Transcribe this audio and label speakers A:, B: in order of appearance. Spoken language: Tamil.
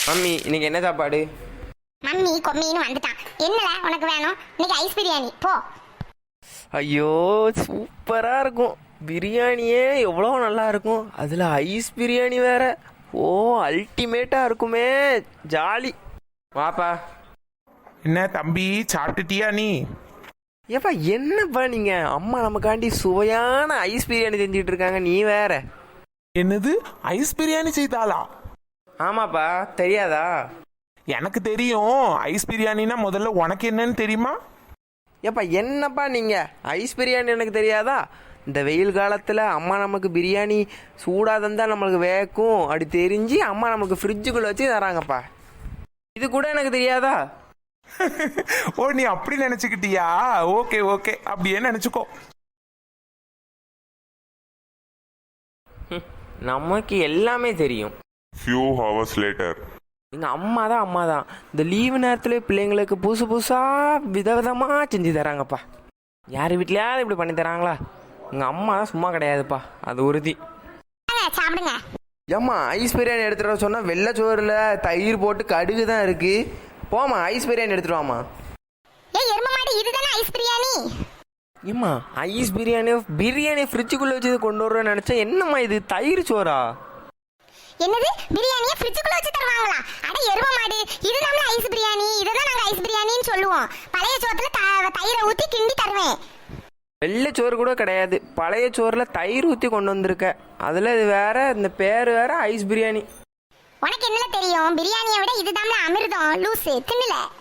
A: மம்மி இன்னைக்கு என்ன சாப்பாடு?
B: மம்மி கொம்மின்னு வந்துட்டான். என்னடா உனக்கு வேணும்? இன்னைக்கு ஐஸ் பிரியாணி போ.
A: ஐயோ சூப்பரா இருக்கும். பிரியாணியே எவ்வளோ நல்லா இருக்கும், அதில் ஐஸ் பிரியாணி வேற. ஓ அல்டிமேட்டா இருக்குமே, ஜாலி. வாப்பா.
C: என்ன தம்பி, சாப்பிட்டுட்டியா நீ?
A: ஏப்பா என்னப்பா நீங்க, அம்மா நமக்காண்டி சுவையான ஐஸ் பிரியாணி செஞ்சுட்டு இருக்காங்க, நீ வேற.
C: என்னது, ஐஸ் பிரியாணி செய்தாளா?
A: ஆமாப்பா, தெரியாதா?
C: எனக்கு தெரியும். ஐஸ் பிரியாணினா முதல்ல உனக்கு என்னன்னு தெரியுமா?
A: ஏப்பா என்னப்பா நீங்க, ஐஸ் பிரியாணி எனக்கு தெரியாதா? இந்த வெயில் காலத்தில் அம்மா நமக்கு பிரியாணி சூடாக தந்தால் நம்மளுக்கு வேக்கும் அப்படி தெரிஞ்சு அம்மா நமக்கு ஃப்ரிட்ஜுக்குள்ளே வச்சு தராங்கப்பா. இது கூட எனக்கு தெரியாதா?
C: ஓ நீ அப்படி நினைச்சுக்கிட்டியா? ஓகே ஓகே, அப்படியே நினைச்சுக்கோ.
A: நமக்கு எல்லாமே தெரியும்.
D: Few hours later.
A: எங்கள் அம்மா தான் இந்த லீவு நேரத்தில் பிள்ளைங்களுக்கு புதுசு புதுசாக விதவிதமாக செஞ்சு தராங்கப்பா. யார் வீட்லையாவது இப்படி பண்ணி தராங்களா? எங்கள் அம்மா தான் சும்மா கிடையாதுப்பா, அது உறுதி.
B: சாப்பிடுங்க.
A: ஏம்மா ஐஸ் பிரியாணி எடுத்துகிட்டு வர சொன்னால் வெள்ளைச்சோறில் தயிர் போட்டு கடுகு தான் இருக்குது. போமா ஐஸ் பிரியாணி எடுத்துட்டு வாமா.
B: ஏய் எருமை மாடு, இதுதானே ஐஸ் பிரியாணி?
A: ஏம்மா ஐஸ் பிரியாணி ஃப்ரிட்ஜுக்குள்ளே வச்சு கொண்டு வரேன்னு நினச்சேன். என்னம்மா இது தயிர் சோறா?
B: என்னது, பிரியாணியை ஃப்ரிட்ஜுக்குள்ள வச்சு தருவாங்களா? அட எருமை மாடு, இதுதான் ஐஸ் பிரியாணி. இதுதான் நாங்க ஐஸ் பிரியாணின்னு சொல்லுவோம். பழைய சோத்துல தயிரை ஊத்தி கிண்டி தருவேன்.
A: வெள்ளை சோறு கூட கிடையாது, பழைய சோறில் தயிர் ஊற்றி கொண்டு வந்திருக்க. அதில் இது வேற, இந்த பேர் வேற ஐஸ் பிரியாணி.
B: உனக்கு என்ன தெரியும்? பிரியாணியை விட இதுதான் அமிர்தம். லூசு தின்னல.